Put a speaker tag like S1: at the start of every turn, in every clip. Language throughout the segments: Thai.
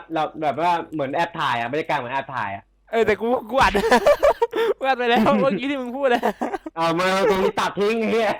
S1: เราแบบว่าเหมือนแอบถ่ายบรรยากาศเหมือนแอบถ่าย
S2: แต่กูอัด กูอัดไปแล้วเมื่อกี้ที่มึงพูดนะ
S1: เอามาตรงนี้ตัดทิ้งเฮีย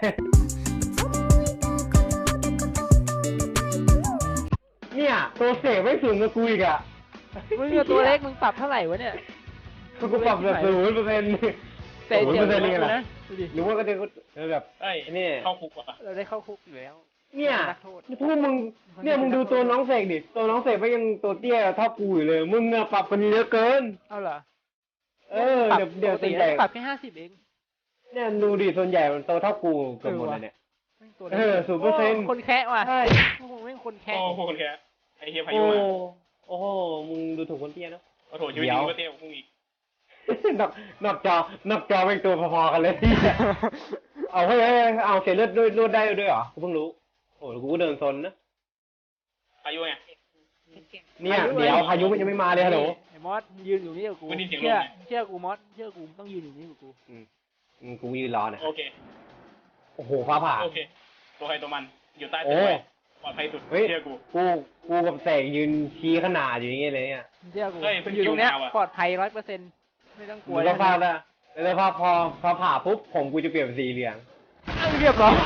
S1: เนี่ยตัวเสกไม่สูงกับกูอีก
S2: มึงตัวเล็กมึงปรับเท่าไหร่วะเนี่ย
S1: กูปรับแบบ0%
S2: แต่เจ๋ง
S1: 0%นี่แหละ
S2: นะดูดิ
S1: หรือว่าก็จะแบบ
S3: เอ้ย
S1: นี่
S3: เข้าคุกว่ะ
S2: เราได้เข้าคุกอยู่แล้ว
S1: เนี่ย
S2: นักโทษ
S1: พวกมึงเนี่ยมึงดูตัวน้องเสกดิตัวน้องเสกไม่ยังตัวเตี้ยเท่ากูอยู่เลยมึงปรับกันเยอะเกิน
S2: เอาเหรอ
S1: เดี๋ยว
S2: ปกติ
S1: ส่วนใหญ่
S2: ปรับแค่50เอง
S1: เนี่ยดูดิส่วนใหญ่มันโตเท่ากูเกือบหมดเลยเนี่ย 0%
S2: คนแคะว่ะ
S1: ใช่
S2: พวกมึงไม่คนแคะ
S3: โอ้โหคนแค่ไอ้เฮียพา
S1: โอ้
S3: ยุมา
S1: โอ้โหมึงดูถูกคนเตี้ยเนาะ
S3: โอ้โหชีวิตจริงก็เตี้ยกว่าพวกอีก
S1: นอกจอเป็นตัวพอๆกันเลย เอาเฮ้ยเอาเสียเลือดด้วยได้ด้วยเหรอกูเพิ่งรู้โอ้กูก็เดินซนนะ
S3: พายุไง
S1: เนี่ยเดี๋ยวพายุมันยังไม่มาเลยฮัลโหล
S2: ไอ้มอสยืนอยู่นี่กับกู
S3: ไม่ได้เสียงลม
S2: เชื่อกูมอสเชื่อกูต้องยืนอยู่นี่กับกู
S1: กูยืนรอนะ
S3: โอเค
S1: โอ้โหฟ้าผ่า
S3: โอเคตัวใครตัวมันอยู่ใต้
S1: โอ้
S3: ต้นไม้ปลอดภัยสุด
S1: เฮ้ย
S3: เชื่อกู
S1: กูกับเสกยืนชี้ขนาดอยู่อย่างเงี้ยเลยเนี่ย
S2: เชื่อกู
S3: เฮ้ยเพิ่ง
S2: อยู่ตรงเนี้ย
S3: อยู่มาวะ
S2: ปลอดภัย100%ไม่ต้องกลัว
S1: มึงต้องภาพนะแล้วพอผ่าปุ๊บผมกูจะเปลี่ยนเป็นสีเหลือง
S2: เรียบร้อย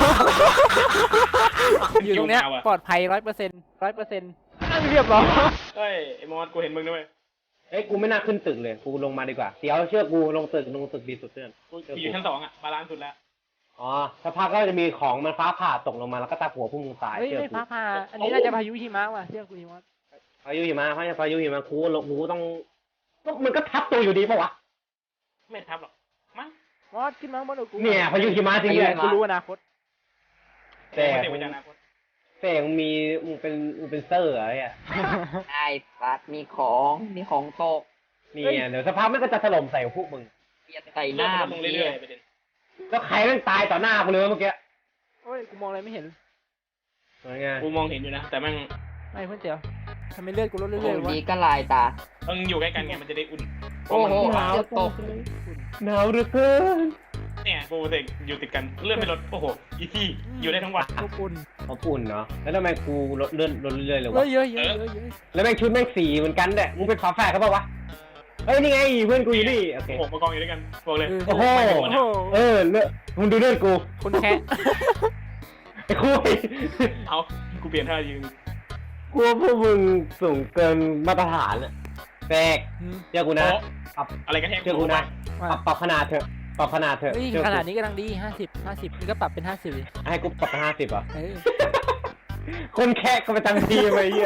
S2: อยู่ตรงเนี้ยปลอดภัย100%เรียบร้อย
S3: เฮ้ยไอ้มอสกูเห็นมึงด้วย
S1: เอ้ยกูไม่น่าขึ้นตึกเลยกูลงมาดีกว่าเดี๋ยวเชื่อกูลงตึกดีสุดเพื่อน
S3: กูอยู่ชั้น2บาลานซ์สุดแล้ว
S1: อ๋อถ้าพักก็จะมีของมันฟ้าผ่าตกลงมาแล้วก็ตาหัวพวกมึงตาย
S2: เฮ้ย
S1: เชื่อ
S2: ไม่
S1: กู
S2: ฟ้าผ่าอันนี้น่าจะพายุหิมะว่ะเชื่อกูดิมอส
S1: พายุหิมะกูต้องมันก็ทับตัวอยู่ดีปะวะ
S3: ไม่ทับหรอกมั้ง
S2: มอสขึ้นมาบนกับกู
S1: เนี่ยพายุหิมะจริงเลย
S2: กูรู้อนาคต
S1: แต่
S3: ไม่เต็มไปจากอนาคต
S1: แต่มึงเป็นเซอร์อะไรอ่ะ
S4: ไอ้สัตว์มีของตก
S1: นี่เดี๋ยวสภาพมันก็จะถล่มใส่พวกมึง
S4: เปียกใส่ห
S3: เรื่อ
S4: น้าง
S3: มันลงเรื่อยๆประเด็น
S1: ก็ใครแม่งตายต่อหน้ากูเลยวะเมื่อกี้
S2: โอ้ยกูมองอะไรไม่เห็น
S1: ยังไง
S3: กูมองเห็นอยู่นะแต่แม่ง
S2: ไม่เพื่อนเจ๋วทำไมเลือดกูลด
S4: โอ้
S2: เรื่อยๆวะ
S4: ดีก็ลายตา
S3: ต้องอยู่ใกล้กันไงมันจะได้อุ่น
S4: โอ้โห
S1: หนาว
S4: เลือดตก
S1: หนาวเหลือเกิน
S3: เนี่ยกูเด็กอยู่ติดกันเลื่อนไปรถโอ้โหอีที่อยู่ได้ทั้งวัน
S2: ทุกคน
S1: เขาปุ่นเนาะแล้วทำไมกูลดเลื่อนเรื่อยๆเลยวะ
S2: เยอะๆ
S1: แล้วแม่งชุดแม่งสีเหมือนกันแหละมึงเป็นฝาแฝดเขาเปล่าวะเฮ้ยนี่ไงเพื่อนกูอยู่นี่โอเค
S3: โอ้โหมากองอยู่ด้วยกันบอกเลย
S1: โอ้โห
S2: โอ้โห
S1: เลือดมึงดูเลือดกู
S2: คนแคะ
S1: ไอ้คุย
S3: เอากูเปลี่ยนท่ายืน
S1: กูว่าพวกมึงสูงเกินมาตรฐานอะแปลกเชื่อกูนะ
S3: โอ้
S1: ปรับ
S3: อะไรกันแทก
S1: เชื่อกูนะปรับขนาดเถอะปรับขนาดเถอะ
S2: เฮ้ย
S1: เชื่อ
S2: ข
S1: กู
S2: นาดนี้กำลังดี50นี่ก็ปรับเป็น50เลย
S1: ให้กูปรับไป50เหรอ
S2: เออ
S1: คนแค่ก็ประจำทีไปเหี้ย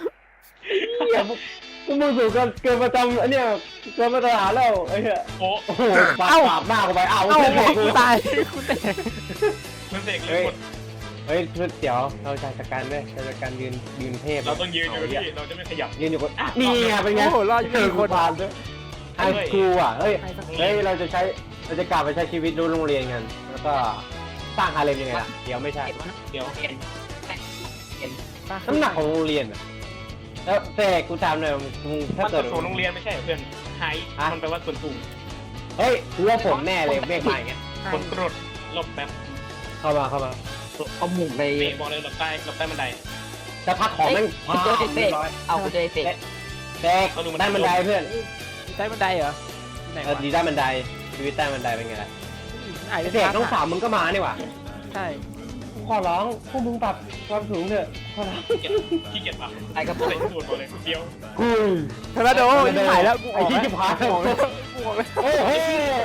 S1: พวกมึงสูงเกินประจำอันเนี้ยเกินมาตรฐานแล้วไอ้เหี้ย
S3: โอ้
S1: โอ้โหปาดหน้ากูไปอ้าว
S2: เอ้า
S1: เพื่อน
S2: กู
S1: กู
S2: ตายกูแตก
S3: มันเสกเลยหมด
S1: เฮ้ยเดี๋ยวเราจะจัดการด้วยจัดการยืนเทพ
S3: เราต้องยืนอยู่ที่เราจะไม่ขยับ
S1: ยืนอยู่คนนี่ไงเป็นไง
S2: โอ้โหรอดอยู่คน
S1: บานด้วยไฮสคูลอ่ะเฮ้ยเราจะกลับไปใช้ชีวิตรู้โรงเรียนกันแล้วก็สร้างฮาเร็มยังไงล่ะเดี๋ยวไม่ใช่
S3: เดี๋ยว
S4: เห็น
S1: น้ำหนักของโรงเรียนอ่ะแล้วเสกกูถามหน่อยมึงถ้า
S3: มัน
S1: เกิด
S3: ส่วนโรงเรียนไม่ใช่เพื่อนไฮมันแปลว่าส่วนสูง
S1: เฮ้ยกูว่าผมแน่เลยเมฆมาอย่างเงี้ย
S3: คนกรดหลบแป๊บ
S1: เข้ามา
S4: เอาหมุกไป
S3: เบรกบอกเลยหลบใต้บันได
S1: จะพักของแม่ง
S4: กูเจอเสกเอากูเจอเสก
S1: เสกได้บันไดเพื่อน
S2: ใต้บันไดเหรอไหนวะ
S1: ดีได้บันไดชีวิตใต้บันไดเป็นไงล่ะ
S2: อาจจะ
S1: เสกน้องสาวมึงก็มานี่หว่า
S2: ใช่
S1: กูขอร้องพวกมึงปรับความสูงเถอะขอร้อง
S3: ขี้เกียจปรับ
S4: ไอ้กระ
S3: ใส่
S4: ปุก
S3: สูตรบอกเลยเดียว
S1: กู
S2: เทอร์นาโดยิ่งหายแล้วกูอ
S1: ไอ้
S2: อก
S1: ที่
S2: แล้ว
S1: จะพาย
S2: กูออกแล้วกูออกแล้ว
S1: โอ้โห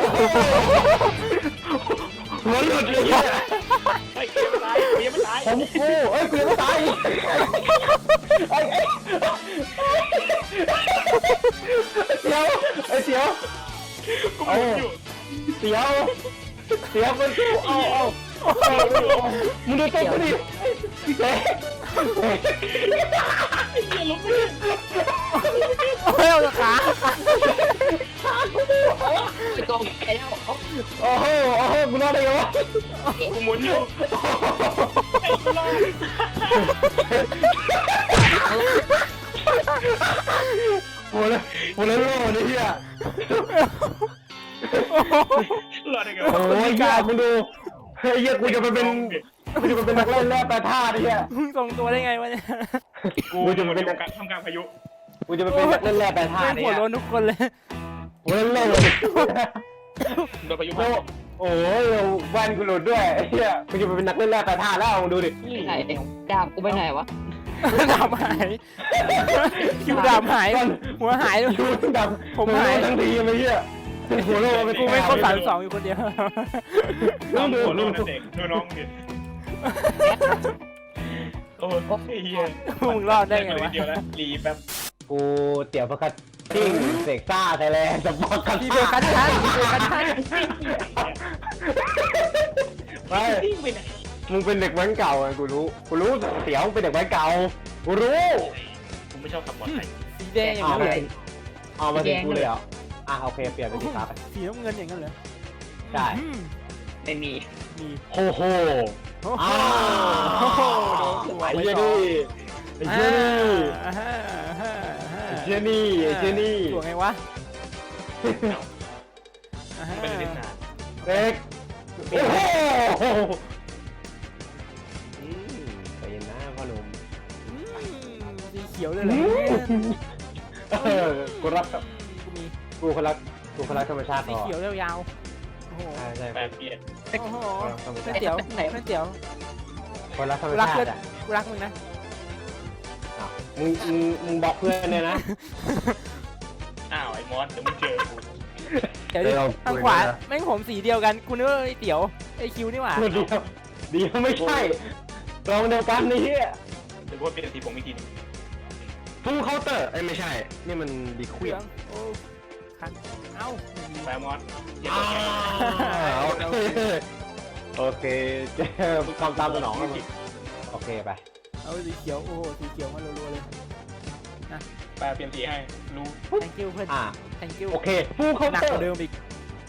S1: หัวหลุดเลยเนี่ย
S3: เฮ้ยยังไม่ตายยังไม่ตาย
S1: ผมกูเอ้ยกูยังไม่ตายไอ้เดี๋ยวไอ้เสียว
S3: กูหมุนอยู่
S1: เสียวมันสู้เอามึงดูตัวกูดิเฮ้ย
S2: เฮ้ยเอาขา
S4: ไปตรงไปแล้ว
S1: โอ้โหกูรอดได้ไงวะ
S3: กูหมุนอยู่ไอ้กูรอด
S1: โอ้เลยโล่นี่เฮีย
S3: รอดได้ไง
S1: โอ้ยยากมึงดูเฮ้ยกูจะไปเป็นนักเล่นแร่แปรธาตุไอ้เหี้ย
S2: มึงส่งตัวได้ไงวะเนี่ย
S3: กูจะมาดูการทำการพายุ
S1: กูจะไปเป็นนักเล่นแร่แปรธาตุ
S2: ไม่
S1: เนี่
S2: หัวย โดนทุกคนเลย
S1: โอ้ยเล่นเลย
S3: โดนพายุพัด
S1: โอ้ยแว่นกูหลุดด้วยเฮียกูจะไปเป็นนักเล่นแร่แปรธาตุแล้วมึงดูดิ
S4: ไปไหนดาบกูไปไหนวะ
S2: ดาบหายคิวดาบหายหัวหายด้วย
S1: ยูดับ
S2: ผมหาย
S1: ทั้งทีเลยเฮียหัวโลก
S2: กูไม่ครบ32อยู่คนเดียว
S3: น้องโผล่นะเด็กดูน้องดิโอ้ยเฮีย
S2: มึงรอดได้ไงวะ
S3: เดียวแล้วรีแป๊บ
S1: กูเตี๋ยวพระคัตติ้งเสกซ่าไทยแลนด์สปอร์ตคัต
S2: ทีเดียวกันทันทีเดียวกันทัน
S1: ไม่
S3: ทิ้งไปไหน
S1: มึงเป็นเด็กแว้นเก่าไงกูรู้เตี๋ยวมึงเป็นเด็กแว้นเก่ากูรู้
S3: ผมไม่ชอบขับมอเตอร์ไซค์
S2: สีแดงอย่างนั้นเลย
S1: เอามาถึงกูเลยเหรอโอเคเปลี่ยนเป็นสีฟ้าไป
S2: สีน้ำเงินอย่างนั้นเลย
S1: ใช่
S4: ไม่มี
S2: มี
S1: โฮโฮ
S2: โอ้โห
S1: อ้า
S2: โอ้โหโดนหัว
S1: ไอ้
S2: ไป
S1: เจ
S2: ต่อ
S1: นี่ไอ้เจนี่ไอ้เจนี่ไอ้เจนี่
S2: ตัวไงวะ
S3: ไม่ได้เล่นนาน
S1: เด็กโอ้โหใจเย็นนะพ่อหนุ่ม
S2: สีเขียวเลยเหรอ
S1: กูรัก
S2: กูมี
S1: กูคนรักธรรมชาติ
S2: สี
S1: พอ
S2: เขียวยาวๆโอ้โห
S1: ใช่
S3: แปดเปลี่ยน
S2: โอ้โหเพื่อนเตี๋ยวเพื่อนเตี๋ยว
S1: คนรักธรรม
S2: รัก
S1: ชา
S2: เพื่อน
S1: ติอ่ะ
S2: กูรักมึงนะ
S1: มึงบอกเพื่อนเนี่ยนะ
S3: อ้าวไอ้มอสจะไม่เจอกู
S2: เดี๋ยวดิทางขวาแม่งผมสีเดียวกันกูนึกว่าไอ้เตี๋ยวไอ้คิวนี่หว่า
S1: เดียวไม่ใช่ลองเดียวกันนี่
S3: หรือว่าเปลี่ยนสีผมอีกทีนึง
S1: ฟูเคาน์เตอร์นี่ไม่ใช่นี่มันดีค
S2: เห
S1: วี
S2: ลื
S1: น
S2: องโอ้คันเอ้า
S3: แปมอสอย่า
S1: โอเคเจอคำตามสนองโอเคไป
S2: เอาสีเขียวโอ้โหสีเขียวมารัวๆเลย
S3: แปลเปลี่ยนสีให้รู้
S2: thank you เพื่อน thank you
S1: โอเคฟูเคาน์
S2: หนัก
S1: เตอก
S2: ว่า
S1: ร์
S2: เดิมอีก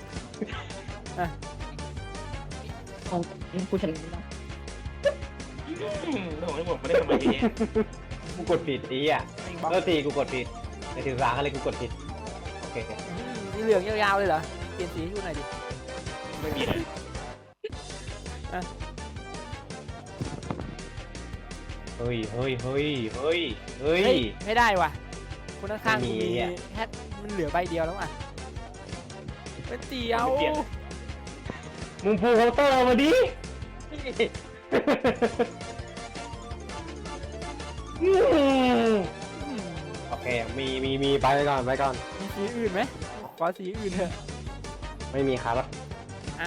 S4: ของกูชนะ
S3: โอ้ยผมไม่ได้ทำอะไรเยอะ
S1: กูกดผิดอีอ่ะ
S2: แม่งบล็อก
S1: แล้วทีกูกดผิดในถึงสางอะไรกูกดผิดโอเค
S2: สีเหลืองยาวๆเลยเหรอเปลี่ยนสีให้กูหน่อยดิ
S3: ไม่มีเลย
S1: เฮ้ย
S2: ไม่ได้ว่ะคนข้างๆ
S1: ไม่
S2: กู
S1: มี
S2: มี
S1: อ่ะ
S2: แฮทมันเหลือใบเดียวแล้วอ่ะเป็นเตี๋ยว
S1: มึงฟูเคาน์เตอร์มาดิโอเคมีไปก่อน
S2: มีสีอื่นไหมขอสีอื่นเถอะ
S1: ไม่มีครับ
S2: อ่ะ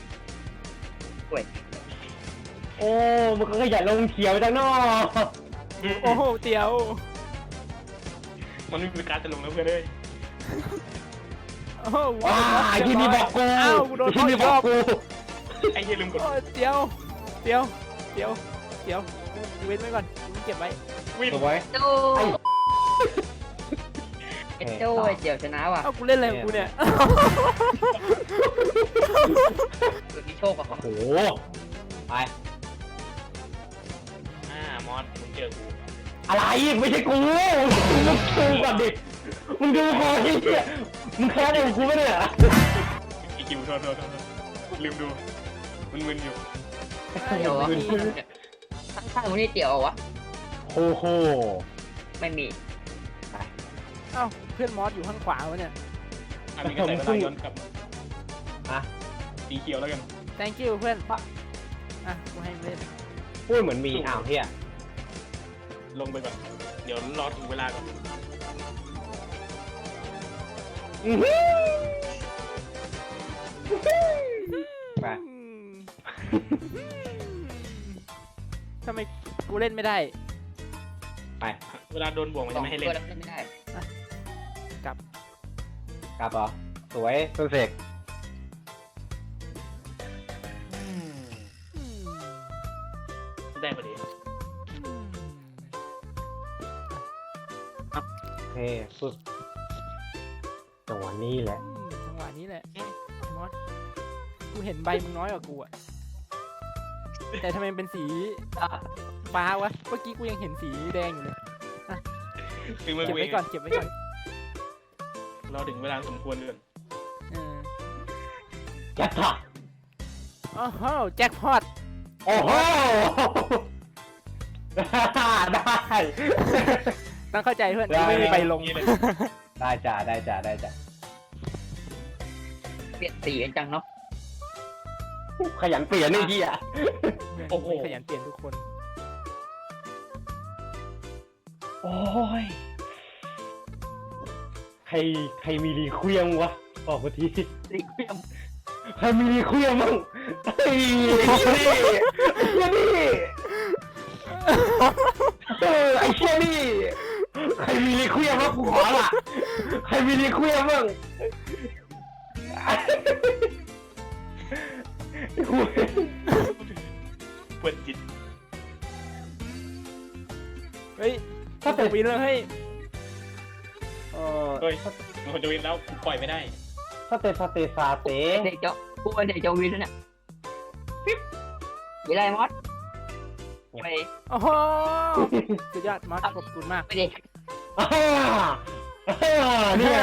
S1: โอ้มันก็ขยันลงเขียวจังเนาะ
S2: โอ้โหเตี๋ยว
S3: มันไม่มีการจะลงแล้วเพื่อนเลย
S2: โอ้โห
S1: ว้าที่นี่บอกกู
S2: อ้าวกูโดน
S1: ที่
S2: เขา
S1: นี่
S2: อีก
S1: บ
S2: ร
S1: อ
S2: อก บ
S1: กู
S3: ไอ้เฮียลืมกด
S2: โอ้เตี๋ยวกูเว้นไว้ก่อนกูเก็บไว้
S3: วิ่ง
S1: สวย
S4: โจ้โจ้เดี๋ยวชนะว่ะ
S2: เอ้ากูเล่นอะไรของกูเนี่ย
S4: เกิดมีโชคอ่ะ
S1: โอ้โหไป
S3: มอสมึงเจอกู
S1: อะไรไม่ใช่กูมึงดูก่อนดิมึงดูก่อนไอ้เหี้ยมึงแค้นอะไรกับกูไม่ได้เหรอ
S3: อีกิวโทษลืมดูมึนอยู่
S4: เดี๋ยวข้างๆมึงนี่เตี๋ยววะ
S1: โอ้โห
S4: ไม่มี
S2: เอ้าเพื่อนมอสอยู่ข้างขวาวะเนี่ย
S3: อันนี้ก็ใส่เวลาย้อนกลับ
S1: อะ
S3: สีเขียวแล้วกัน
S2: thank you เพื่อนอ่ะกูให้มึงเล่น
S1: พูดเหมือนมีอ้าวเฮีย
S3: ลงไปก่อนเดี๋ยวรอถึงเวลาก่อน
S1: อื้อหือไป
S2: ทำไมกูเล่นไม่ได้
S1: ไป
S3: เวลาโดนบวกมันจะไม่ให้เล่น
S4: เล่นไม่ได้
S1: กลับเหรอสวยเพอร์เฟก
S3: ได้พอดี
S1: โอเคสุดจังหวะนี้แหละ
S2: จังหวะนี้แหละมอสกูเห็นใบมึงน้อยกว่ากูอะแต่ทำไมเป็นสีฟ้าวะ เมื่อกี้กูยังเห็นสีแดงอยู่เลย
S3: คือมือ
S2: เก็บ
S3: เว
S2: ไว้
S3: ง
S2: ก่อน เก็บไว้ก่อน
S3: รอถึงเวลาสมควรเลย
S2: เออ
S1: ยัดค่ะ
S2: โอ้โหแจ็คพอต
S1: โอ้โหได้
S2: ต้องเข้าใจเพื่อนกูไม่มีใบลง
S3: นี่เลย
S1: ได้จ้ะได้จ้ะได้จ้ะ
S4: เปลี่ยนสีกันจังเนาะ
S1: ขยันเปลี่ยนไอ้เหี้ย
S3: โอ้โห
S2: ขยันเปลี่ยนทุกคน
S1: โอ้ยใครมีรีเควียงวะบอกมาที
S4: สีเขียว
S1: ใครมีรีเควียงมั้งไอ้นี่ไอ้เชี่ยนี่ใครมีรีเควียงมั้งกูขอละใครมีรีเควียงมั้งกู
S3: เปิดจิต
S2: เฮ้ยถ้าผมวินแล้วเฮ้ย
S3: เฮ้ยมันจะวินแล้วปล่อยไม่ได้
S1: สเตซาเต
S4: เด็กเจ้ากูเป็นเด็กเจ้าวินแล้วเนี่ยปิ๊บมีอะไรมอสไป
S2: โอ้โหสุดยอดมอสขอบคุณมาก
S4: ไปเด็ก
S1: เนี่ย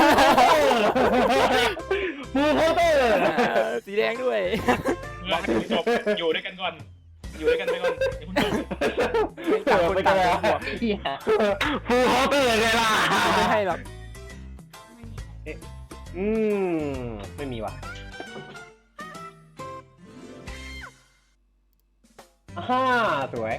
S1: มูโคเตอร์
S2: สีแดงด้วย
S3: รอให้คุณจบอยู่ด้วยกันก่อน อยู่ด้วยกันไปก่อนเดี๋ยวคุณจบ
S2: ต่างคนต่างเป็นบวก
S4: ไอ้เหี้ย
S1: มูโคเตอร์ไงล่ะ
S2: ไม่ให้หรอก
S1: ไม่มีว่ะสวย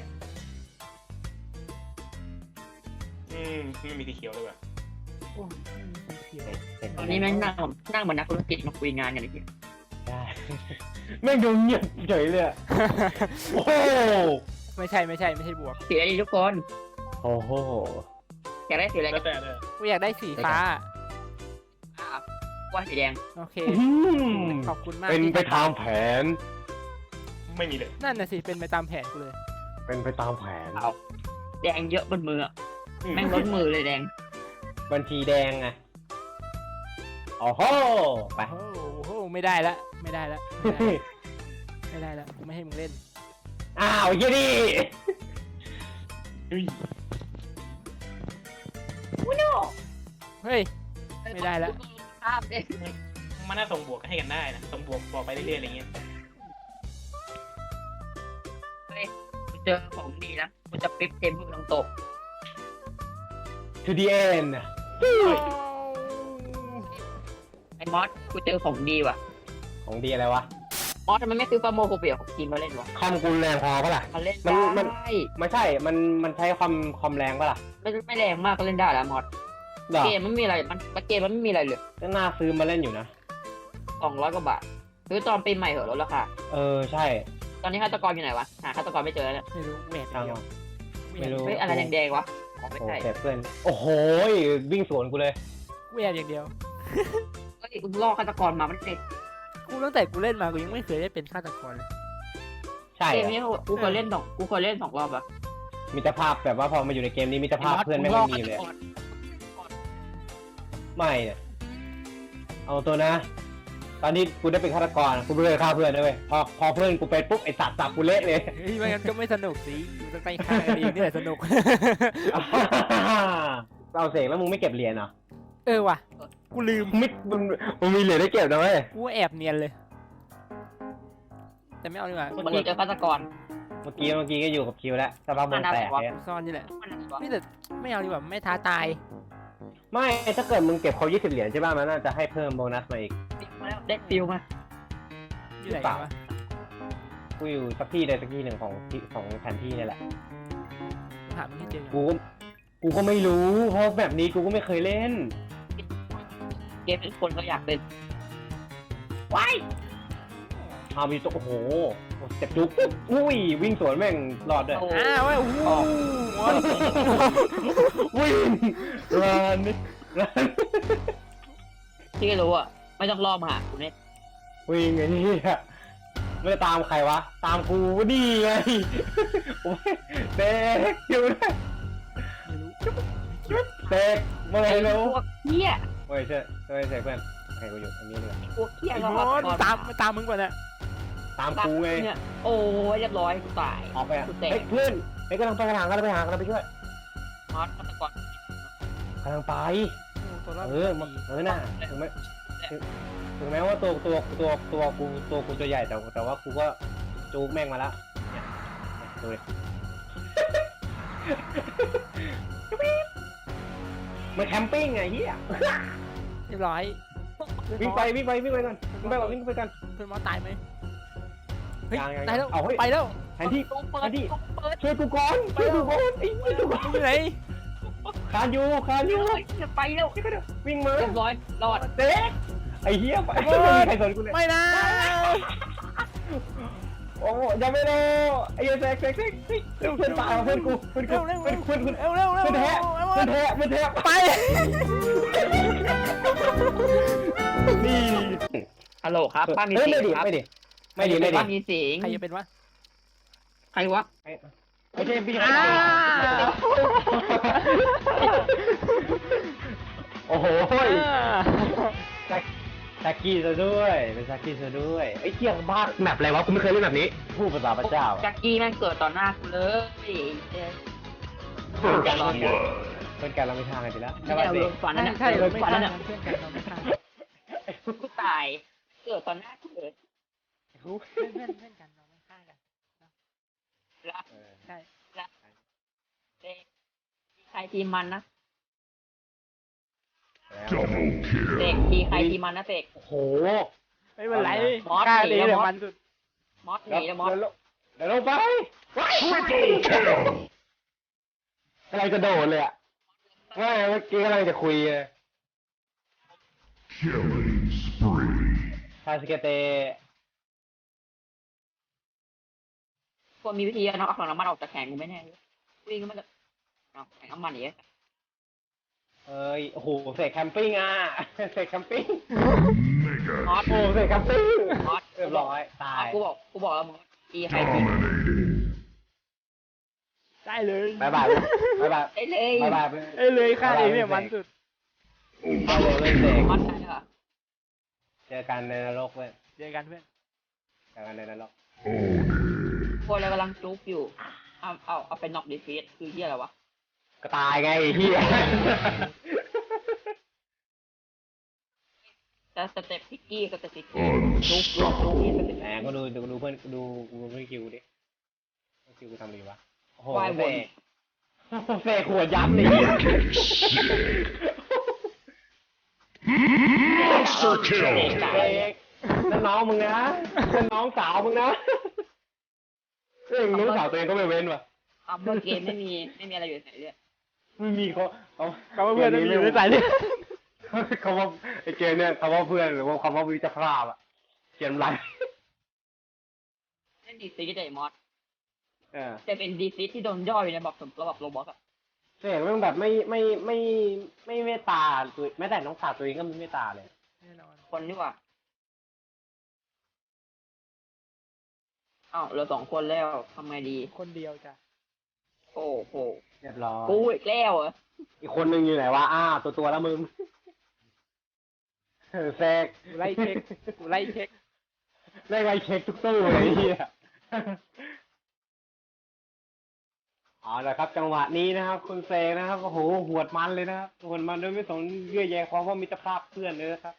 S3: ไม่มีสีเขียวเลยว่ะ
S2: โอ้ย
S4: ตอนนี้แม่งนั่งเหมือนนักธุรกิจมาคุยงานกันไอ้เหี้ย
S1: ได้แม่งดูเงียบเฉยเลยโอ้โห
S2: ไม่ใช่บวก
S4: สีอะไรดีทุกคน
S1: โอ้โห
S4: อยากได้สีอะไร
S3: แล้
S4: กั
S3: วน แต่เลย
S2: กูอยากได้สีฟ้า
S4: ว่าสีแดง
S2: โอเค ขอบคุณมาก
S1: เป็น
S2: ที่
S1: ไปตามแผน
S3: ไม่มีเลย
S2: นั่นน่ะสิ เป็นไปตามแผนกูเลย
S1: เป็นไปตามแผน
S4: เอาแดงเยอะบนมืออะแม่งล้นมือเลยแดง
S1: บัญชีแดงไงโอ้โหไป
S2: โอ้โห ไม่ได้ละไม่ได้ละกูไม่ให้มึงเล่น
S1: อ้าวยี่ดิ
S3: เฮ้ย
S2: เฮ้ย ไม่ได้ละ
S4: ภาพเด็ก
S3: มันน่าส่งบวกให้กันได้นะส่งบวกบอกไปเรื่อยๆอะไรเงี้ย
S4: เจอของดีนะกูจะปิ๊บเต็มพวกน้องโตก
S1: to the end
S4: ไอ้มอสกูเจอของดีว่ะ
S1: ของดีอะไรวะ
S4: มอสทำไมไม่ซื้อฟาร์โมโคเปียของทีมมาเล่นวะ
S1: คอมกูแรงพอปะล่ะ
S4: มาเล่น
S1: มัน
S4: ได้
S1: ไม่ใช่ มันใช้ความแรงปะล่ะ
S4: ไม่แรงมากก็เล่นได้แล้วมอส
S1: เหรอ
S4: เกมมันไม่มีอะไรเกมมันไม่มีอะไรเลย
S1: ก็น่าซื้อมาเล่นอยู่นะ
S4: 200 กว่าบาทซื้อตอนปีใหม่เหอะลดราคา
S1: ใช่
S4: ตอนนี้ฆาตกรอยู่ไหนวะหาฆาตกรไม่เจอแล้วเนี่ย
S2: ไม่รู้แหวก
S1: ทาง
S2: เดียว
S1: ไม่รู้
S4: เฮ้ยอะไรแดงๆวะอ๋อไม่
S1: โอ้
S4: ใช่
S1: เจ็บเพื่อนโอ้โหวิ่งสวนกูเลย
S2: กูแอบอย่างเดียว
S4: เฮ้ยกูล่อฆาตกรมามันติด
S2: กูตั้งแต่กูเล่นมากูยังไม่เคยได้เป็นฆาตกรเลย
S1: ใช่
S4: เกม
S1: อะ
S4: นี้กูเคยเล่นสองรอบอะ
S1: มิตรภาพแบบว่าพอมาอยู่ในเกมนี้มิตรภาพเพื่อนไม่งไม่มีเลย ไม่เนี่ยเอาตัวนะ ตอนนี้กูได้เป็นฆาตกรกูไม่เคยฆ่าเพื่อนนะเว้ยพอเพื่อนกูไปปุ๊บไอ้สัตว์จับกูเละเลย
S2: เฮ้ยไม่งั้นก็ไม่สนุกสิอยู่ตั้งแต่ข้างกันเองนี่แหละสนุก
S1: เอาเสกแล้วมึงไม่เก็บเหรียญเหรอ
S2: เออว่ะ กูลืม
S1: มึงมีเหรียญได้เก็บนะเว้ย
S2: กูแอบเนียนเลย แต่ไม่เอาดีกว่า
S4: วันนี้เจอฆาตกร
S1: เมื่อกี้ก็อยู่กับคิวแล้วสภาพวงแตกเนี่ย
S2: ซ่อนนี่แหละ
S4: มันอะไรวะ
S2: นี่แต่ไม่เอาดีกว่าไม่ท้าตาย
S1: ไม่ถ้าเกิดมึงเก็บเขา20 เหรียญใช่ป่ะมันน่าจะให้เพิ่มโบนัสมาอีก
S4: ได้ฟิลมา
S2: อยู่ไหน
S1: เปล่า
S2: วะ
S1: กูอยู่สักที่ใดสักที่หนึ่งของแผนที่นี่แหละ
S2: หามึงให้เจอ
S1: กูก็ไม่รู้ เพราะแบบนี้กูก็ไม่เคยเล่น
S4: เกมที่คนเขาอยากเล่นว้าย
S1: เอามีตัวโอ้โหเจ็บจุกปุ๊บอุ้ยวิ่งสวนแม่งรอดด้วย
S4: โอ้
S2: อ้าวเว้ยโอ้โห
S1: วิ่งรันรัน
S4: ที่ไม่รู้อะไม่ต้องล่อมาหากูเนี่ย
S1: วิ่งไอ้นี่ไม่ได้ตามใครวะ ตามกูนี่ไงโอ้ยเด็กอยู่นะ
S2: ไม่รู้
S1: เด็กเมื่อไหร่
S4: ไอ้
S1: รู้
S4: พวกเหี้ย
S1: เฮ้ยเชื่อเพื่อนใครกูอยู่อันนี้เลย
S4: พวกเหี้ย
S2: ไอ้
S4: ก็
S2: มอสตามมึงก่อนนะ
S1: ตามกูไง
S4: เนี่ยโอ้ยเรียบร้อยกูตาย
S1: ออกไปอ่ะ
S4: กูแตก
S1: เฮ้ยเพื่อนเฮ้ยกำลังไปกำลังไปหากำลังไปช่วย
S4: มอสฆาตกร
S1: กำลังไป
S2: ตัวรอบ
S1: น่ะถึงแม้ว่าตัวกูตัวใหญ่แต่ว่ากูก็จูกแม่งมาแล้วเนี่ยดูดิมาแคมปิ้งไงเฮีย
S2: เรียบร้อย
S1: วิ่งไปก่อนวิ่งไปกัน
S2: เพื่อนมอสตายไหมเฮ้ย
S1: ยัง
S2: ตายแล้ว
S1: เอาเฮ้ย
S2: ไปแล้ว
S1: แทนที่
S4: ตู้เปิ
S1: แท
S4: ด
S1: นที่
S4: ตู้เปิด
S1: ช่วยกูก่อนไอ้เหี้ยช่วยกูก่อน
S2: อยู่ไหน
S1: คานอยู่
S4: จะไปแล้ว
S1: วิ่งมา
S4: เรียบร้อยรอด
S1: เด็กไอ้เหี้ยไป
S2: เบิ
S1: ไม่
S2: ร์ด
S1: มีใครสนกูเลย
S2: ไม่นะ
S1: โอ้ยังไม่รู้ไอ้เหี้ยแซกเพื่อนตายเพื่อนกูเพื่อนกู
S2: เร็ว
S1: เพื่อนกู
S2: เร็วเร็วเร็ว
S1: เพื่อนแท้เพื่อนแท้เพื่อนแท้
S2: ไป
S1: นี่
S4: ฮัลโหลครับบ้านมี
S1: เฮ้ย
S4: เสี
S1: ไม่
S4: ย
S1: ดี
S4: งครับ
S1: ไม่ดีไม่ดีไม่ดี
S4: บ้านมีเสียง
S2: ใครจะเป็นวะ
S4: ใครวะ
S1: ไม่ใช่พี่ โอ้โหซากิซะด้วยเป็นซากิซะด้วยไอ้เกี่ยงบ้าแมปอะไรวะกูไม่เคยเล่นแบบนี้พูดภาษาพระเจ้า
S4: จักกี้แม่งเกิดต่อหน้ากูเลย
S1: เพื่อนกันเราไม่ทางกันไปแล้ว
S4: ไม่ได้เอาลงฝันนั่นแหละ
S2: ใช่
S4: ล
S2: เรา
S4: ง
S2: ไม่
S4: ฝัน
S2: ฆ่า
S4: นั่นแหละ
S2: เพื่อนกันเราไม่ฆ่า
S4: กูตาย เกิดต่อหน้ากูเลย
S2: เพื่อนกันเราไม่ฆ่ากัน
S4: รัก
S2: ใช่
S4: เด็กใครทีมมันนะเด็กทีใครทีมมันนะเด็ก
S1: โอ้โห
S2: ไม่เป็นไร
S4: มอส
S2: ฆ่า
S4: หนี
S2: เลย
S4: แล้ว
S2: เดี๋ยว
S4: มอส
S2: มันสุด
S4: มอสหนีแล้วมอส
S1: เดี๋ยวลงไปอะไรจะโดดเลยอ่ะไม่เมื่อกี้กำลังจะคุยเลย
S5: Killing spree.
S1: คาสเกเต
S4: ควรมีวิธีเอาถังน้ำมันออกจากแขนกูไม่แน่เลยวิ่งก็มันจะเอาแขนน้ำมันอย่างเงี้ย
S1: เอ้ยโอ้โหเสกแคมปิ้งอ่ะเสกแคมปิ้ง
S5: Mega
S4: มอส
S1: โอ้เสกแคมปิ้ง
S4: มอส
S1: เรียบร้อยตาย
S4: กูบอกแล้วมึงทีใครทีม
S5: dominating.
S2: ได้เลย
S1: บายบายบายบาย
S4: ได้เลย
S1: บายบาย
S2: ได้เลยฆ่าเองเนี่ยมันสุด
S1: เอาเลยเล่นเสก
S4: มอสได้เหรอ
S1: เจอกันในนรกเว้ย
S2: เจอกันเพื่อน
S1: เจอกันในนรก
S5: Oni.
S4: คนเรากำลังจุกอยู่เอาไปน็อกดีฟีสคือเหี้ยอะไรวะ
S1: ก็ตายไงไอ้เฮีย
S4: แต่สเต็ปพิกกี้ก็จะพิกกี้จุกนี่สเต็ป
S1: แหมก็ดูเพื่อนดูเพื่อนคิวดิคิวกูทำดีวะโอ้โห
S4: วาย
S1: เส
S4: วน
S1: กเสกหัวยับเลย
S5: Monster
S1: เส
S5: kill.
S1: กนั่นน้องมึงนะนั่นน้องสาวมึงนะเอ้ยน้องสาวตัวเองก็ไม่เว้นว่ะ
S4: เอาเมื่อเกมไม่มีอะไรอยู่ในเลย
S1: ไม่มีเขา
S2: เขาว่าเพื่อนไม่มีอยู่ในสายเลือด
S1: เขาว่าไอ้เกมเนี่ยเขาว่าเพื่อนหรือว่าคำว่าวิจารณ์อะเขียนไร
S4: เล่นดีซีได้มอส
S1: เออ
S4: จะเป็นดีซีที่โดนย่อยในแบบระบบโรบอทอะ
S1: เสกมันแบบไม่เมตตาตัวแม้แต่น้องสาวตัวเองก็ไม่เมตตาเลย
S2: แน่นอน
S4: คนดีกว่าอ้าวเรา2 คนแล้วทำไงดี
S2: คนเดียวจ้ะ
S4: โอ้โห
S1: เรียบร้อย
S4: กูอีกแล้วเหรอ
S1: อีกคนนึงอยู่ไหนวะตัวแล้วมึงแซก
S2: กูไล่เช็คกูไล่เช็ค
S1: ได้ไวเช็คทุกตู้เลยไอ้เฮียเอาละครับ จังหวะนี้นะครับ คุณเซนะครับโอ้โหหวดมันเลยนะครับหวดมันโดยไม่สนเยื่อใยความว่ามิตรภาพเพื่อนเลยนะครับ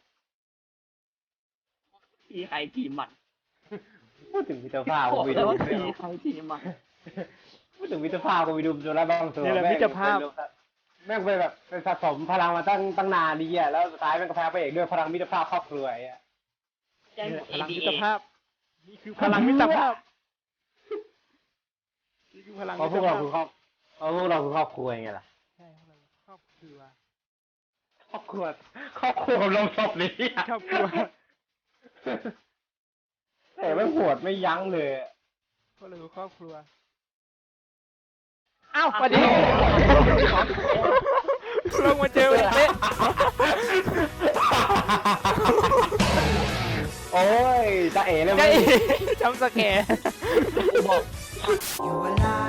S4: ทีใครทีมมัน
S1: พูดถึงมิตรภาพ
S4: บ
S1: กู
S4: อก
S1: ไป
S4: เล
S1: ดู
S4: ยว่าทีใครทีมมัน
S1: พูดถึงมิตรภาพกูไปดูตัวละบางตัว
S2: นี่แหละมิตรภาพ
S1: แม่งไปแบบไปสะสมพลังมาตั้งนานดีอ่ะแล้วสุดท้ายแม่งก็แพ้ไปเอกด้วยพลังมิตรภาพครอบครัวไอ้อะ
S4: แจ้ง
S2: พลังมิ
S4: ABA
S2: ตรภาพนี่คือพลังมิตรภาพนี่คือพลัง
S1: เพราะพ
S2: มิ
S1: ว
S2: ต
S1: ก
S2: ร
S1: เรา
S2: ภาพ
S1: คือครอบเพราะพวกเราคือครอบครัวไงล่ะ
S2: ใช่พลังครอบครัว
S1: ครอบครัวลงศพเลยอะ
S2: ครอบครัว
S1: แต่ไม่ปวดไม่ยั้งเลยอะ
S2: พวกเราคือครอบครัวอ้าวสวัสดีลงมาเจอกันเป๊ะ
S1: โอ้ยจะเอ๋เลย
S2: ได้
S1: มั้ย
S2: จำสแกร์
S4: บอก
S6: You alive.